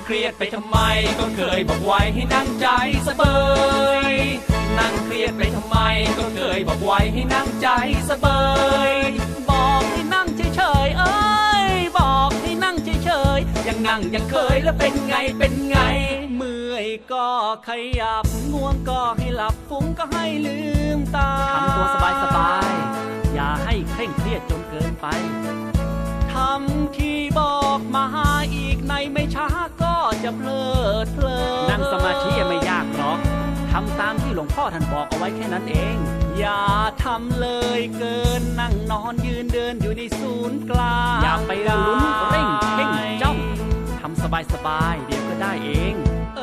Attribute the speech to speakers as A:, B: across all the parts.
A: เครียดไปทำไมก็เคยบอกไว้ให้นั่งใจสบายนั่งเครียดไปทำไมก็เคยบอกไว้ให้นั่งใจสบายบอกให้นั่งเฉยๆเอ้ยบอกให้นั่งเฉยๆยังนั่งยังเคยแล้วเป็นไงเป็นไงเมื่อยก็ขยับง่วงก็ให้หลับฟุ้งก็ให้ลืมตา
B: ทำตัวสบายๆอย่าให้เคร่งเครียดจนเกินไป
A: ทำที่บอกมาอีกในไม่ช้าก็จะเพลิดเพลิน
B: นั่งสมาธิไม่ยากหรอกทำตามที่หลวงพ่อท่านบอกเอาไว้แค่นั้นเอง
A: อย่าทำเลยเกินนั่งนอนยืนเดินอยู่ในศูนย์กลาง
B: อย่าไปลุ้นเร่งเพ่งจ้องทำสบายๆเดี๋ยวก็ได้เอง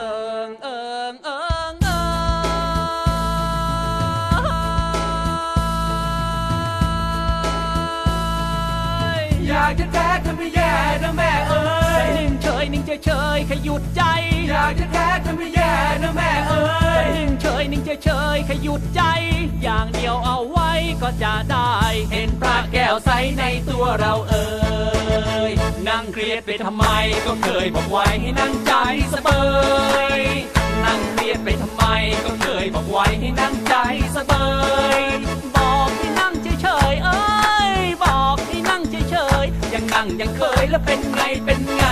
A: อยากจะแท้ทำให้แย่นะแม่เอ้ยนิ่งเฉยนิ่งเฉยขยุดใจอยากจะแท้ทำให้แย่นะแม่เอ้ยนิ่งเฉยนิ่งเฉยขยุดใจอย่างเดียวเอาไว้ก็จะได้เห็นพระแก้วใสในตัวเราเอ้ยนั่งเครียดไปทำไมก็เคยบอกไว้ให้นั่งใจสบายนั่งเครียดไปทำไมก็เคยบอกไว้ให้นั่งใจสบายบอกให้นั่งเฉยๆเอ้ยบอกให้นั่งเฉยๆยังนั่งยังเคยแล้วเป็นไงเป็นไง